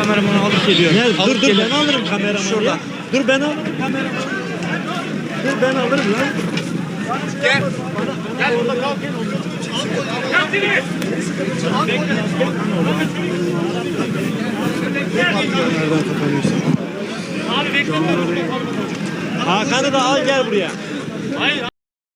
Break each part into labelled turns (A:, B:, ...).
A: kameramanı alıp geliyorum.
B: Dur ben alırım kameramanı.
A: Şurada.
B: Dur ben alırım kameramanı. Dur ben alırım lan.
C: Gel. Gel burada kal.
A: Abi bekleme.
B: Hakan'ı da al gel buraya.
A: Hayır.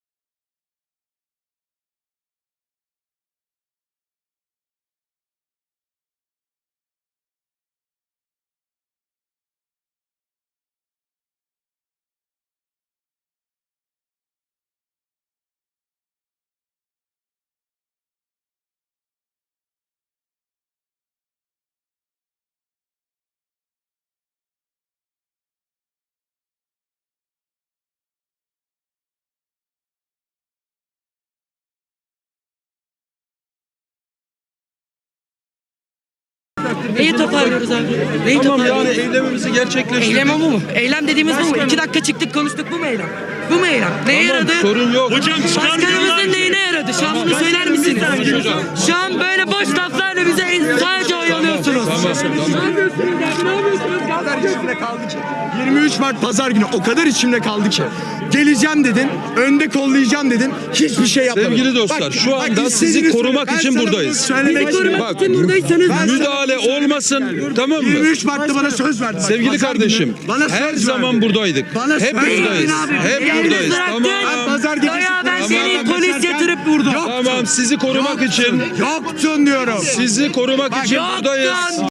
D: Neyi toparlıyoruz abi? Neyi toparlıyoruz?
E: Eylemimizi gerçekleştirdik.
D: Eylem o mu? Eylem dediğimiz bu mu? 2 dakika çıktık konuştuk, bu mu eylem? Bu mu eylem? Neye yaradı?
E: Sorun yok.
D: Başkanımızın neyine yaradı? Şu an bunu söyler misiniz? Şu an böyle boş laflarla bize sadece oyalıyorsunuz. Ne yapıyorsunuz ya? Ne yapıyorsunuz?
F: O kadar içimde kaldı ki. 23 Mart pazar günü o kadar içimde kaldı ki. Geleceğim dedin, önde kollayacağım dedin, hiçbir şey yapmadın.
E: Sevgili dostlar, şu anda sizi
F: istediğini
E: korumak
F: söyle.
E: için
F: Ben sana
E: buradayız.
F: bunu söylemek
D: Bizi korumak
E: Bak,
D: için buradaysanız
E: Müdahale olmasın, tamam mı?
F: 23 Mart'ta bana söz verdin.
E: Sevgili
F: Pazar
E: kardeşim,
F: günü bana söz
E: her zaman
F: verdin.
E: buradaydık.
F: Bana
E: Hep
F: söz verdin
E: buradayız.
D: abi.
E: Hep
D: Yalnız
E: buradayız.
D: bıraktın.
F: Ben pazar gecesi
D: Ya ben seni
F: Tamam.
D: polis yatırıp vurdum.
F: Yok.
E: Tamam, sizi korumak için
F: Yoktun diyorum.
E: sizi korumak için buradayız.
D: Yoktun